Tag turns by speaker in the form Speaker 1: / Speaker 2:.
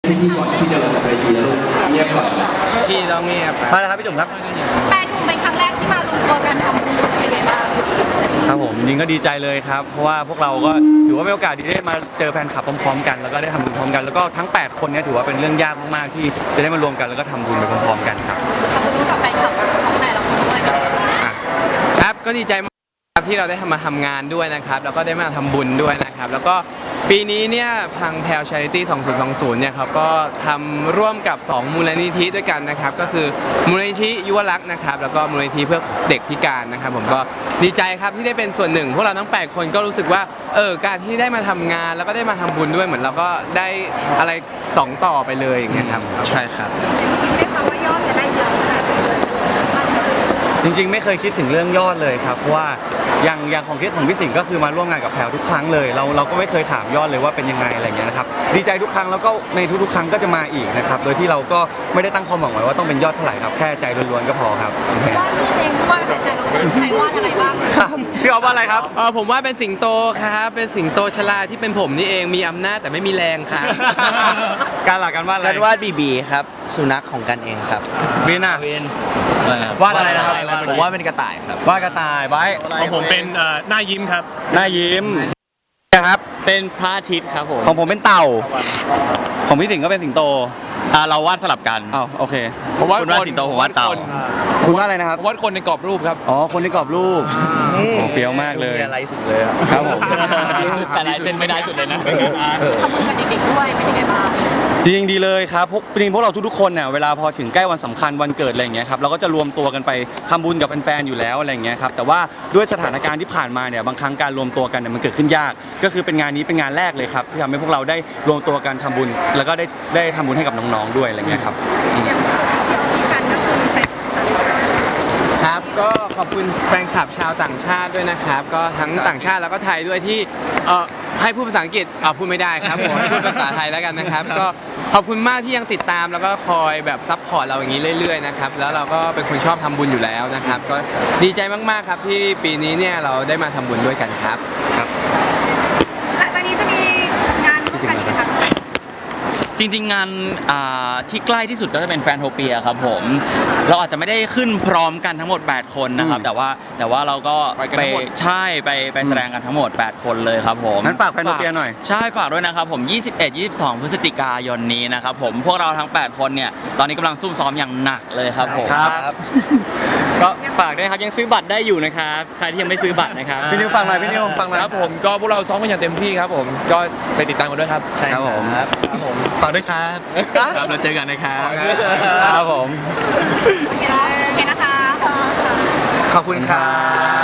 Speaker 1: พี่ก่อนที่จะลงจากเวทีแล้วเงียบก่อน
Speaker 2: พี่ต้องเงียบ
Speaker 3: มาเลยครับพี่จุ๋มครับ
Speaker 4: แปดถุงเป็นครั้งแรกที่มารวมตัวกันทำบุญเป็นไงบ้าง
Speaker 3: ครับผมจริงก็ดีใจเลยครับเพราะว่าพวกเราก็ถือว่าเป็นโอกาสดีได้มาเจอแฟนคลับพร้อมๆกันแล้วก็ได้ทำบุญพร้อมกันแล้วก็ทั้ง8คนเนี่ยถือว่าเป็นเรื่องยากมากๆที่จะได้มารวมกันแล้วก็ทำบุญไปพร้อมๆกันครับ
Speaker 4: ขอบคุณกับแฟนคลับของแต่ละคนด้วย
Speaker 2: ครับก็ดีใจมากที่เราได้มาทำงานด้วยนะครับแล้วก็ได้มาทำบุญด้วยนะครับแล้วก็ปีนี้เนี่ยพังแพล Charity 2020เนี่ยครับก็ทำร่วมกับ2มูลนิธิด้วยกันนะครับก็คือมูลนิธิยุวรักษ์นะครับแล้วก็มูลนิธิเพื่อเด็กพิการนะครับผมก็ดีใจครับที่ได้เป็นส่วนหนึ่งพวกเราทั้ง8คนก็รู้สึกว่าการที่ได้มาทำงานแล้วก็ได้มาทำบุญด้วยเหมือนเราก็ได้อะไร2ต่อไปเลยอย่างเงี้ยครับ
Speaker 3: ใช่ครับ
Speaker 4: ได้ข่าวว่ายอดจะได้เยอะขนาดนี้
Speaker 3: จริงๆไม่เคยคิดถึงเรื่องยอดเลยครับเพราะว่าอย่างของคิดของพี่สิงห์ก็คือมาร่วมงานกับแพลทุกครั้งเลยเราก็ไม่เคยถามยอดเลยว่าเป็นยังไงอะไรเงี้ยนะครับดีใจทุกครั้งแล้วก็ในทุกๆครั้งก็จะมาอีกนะครับโดยที่เราก็ไม่ได้ตั้งความหวังไว้ว่าต้องเป็นยอดเท่าไหร่ครับแค่ใจล้วนๆก็พอครับ
Speaker 4: วาดรูปเองด้วยแต่เราใครวาดอะไรบ้าง
Speaker 3: ครับพี่อ๊อฟว่าอะไรครับ
Speaker 2: ผมว่าเป็นสิงโตครับเป็นสิงโตชลาที่เป็นผมนี่เองมีอำนาจแต่ไม่มีแรงครับ
Speaker 3: การหลักการวาดอะไร
Speaker 2: การวาดบีครับสุนัขของกันเองครับ
Speaker 3: วินอ่ะวาดอะไรนะครับ
Speaker 2: ผมว่าเป็นกระต่ายครับ
Speaker 3: วาดกระต่ายไว้
Speaker 5: ของผมเป็นหน้ายิ้มครับ
Speaker 3: หน้ายิ้มครับ
Speaker 2: เป็นพระอาทิตย์ครับผม
Speaker 3: ของผมเป็นเต่าของพี่สิงห์ก็เป็นสิงโต
Speaker 2: เราวาดสลับกัน
Speaker 3: โอเค
Speaker 2: ผมวาดสิงโตผมวาดเต่า
Speaker 3: คุณวาดอะไรนะครับ
Speaker 2: วาดคนในกรอบรูปครับ
Speaker 3: คนในกรอบรูปเฟี้ยวมากเลย
Speaker 2: อะไรสุดเลย
Speaker 3: ครับผม
Speaker 2: แต่ลายเส้นไม่ได้สุดเลยนะ
Speaker 4: ทำบุญกับเด็กๆด้วยเป็นยังไงบ้าง
Speaker 3: จริงดีเลยครับจริงพวกเราทุกๆคนเนี่ยเวลาพอถึงใกล้วันสำคัญวันเกิดอะไรอย่างเงี้ยครับเราก็จะรวมตัวกันไปทำบุญกับแฟนๆอยู่แล้วอะไรอย่างเงี้ยครับแต่ว่าด้วยสถานการณ์ที่ผ่านมาเนี่ยบางครั้งการรวมตัวกันเนี่ยมันเกิดขึ้นยากก็คือเป็นงานนี้เป็นงานแรกเลยครับที่ทำให้พวกเราได้รวมตัวกันทำบุญแล้วก็ได้ทำบุญให้กับน้องๆด้วยอะไรเงี้ยครับ
Speaker 2: ครับก็ขอบคุณแฟนคลับชาวต่างชาติด้วยนะครับก็ทั้งต่างชาติแล้วก็ไทยด้วยที่ให้พูดภาษาอังกฤษพูดไม่ได้ครับผมให้พูดภาษาไทยแล้วกันนะครับก็ขอบคุณมากที่ยังติดตามแล้วก็คอยแบบซัพพอร์ตเราอย่างนี้เรื่อยๆนะครับแล้วเราก็เป็นคนชอบทำบุญอยู่แล้วนะครับก็ดีใจมากๆครับที่ปีนี้เนี่ยเราได้มาทำบุญด้วยกันครับ
Speaker 4: และตอนนี้จะมีงานร่วมกันอีกไหมคะ
Speaker 6: จริงๆงานที่ใกล้ที่สุดก็จะเป็นแฟนโทเปียครับผมเราอาจจะไม่ได้ขึ้นพร้อมกันทั้งหมด8คนนะครับแต่ว่าเราก็ไปแสดงกันทั้งหมด8คนเลยครับผม
Speaker 3: งั้นฝากแฟนโทเปียหน่อย
Speaker 6: ใช่ฝากด้วยนะครับผม21-22 พฤศจิกายนนี้นะครับผมพวกเราทั้ง8คนเนี่ยตอนนี้กำลังซุ่มซ้อมอย่างหนักเลยครับผม
Speaker 3: ครับ
Speaker 6: ก็ฝากด้วยครับยังซื้อบัตรได้อยู่นะครับใครที่ยังไม่ซื้อบัตรนะครับ
Speaker 3: พี่นิวฟังหน่อยพี่นิวฟังหน่อย
Speaker 2: ครับผมก็พวกเราซ้อมกันอย่างเต็มที่ครับผมก็ไปติดตามกันด้วยครับ
Speaker 3: ใช่ครับผม
Speaker 6: ฝากด้วยครับ
Speaker 2: เราเจอกันนะครับ
Speaker 3: ครับผม
Speaker 4: โอเคนะคะ
Speaker 2: ขอบคุณครับ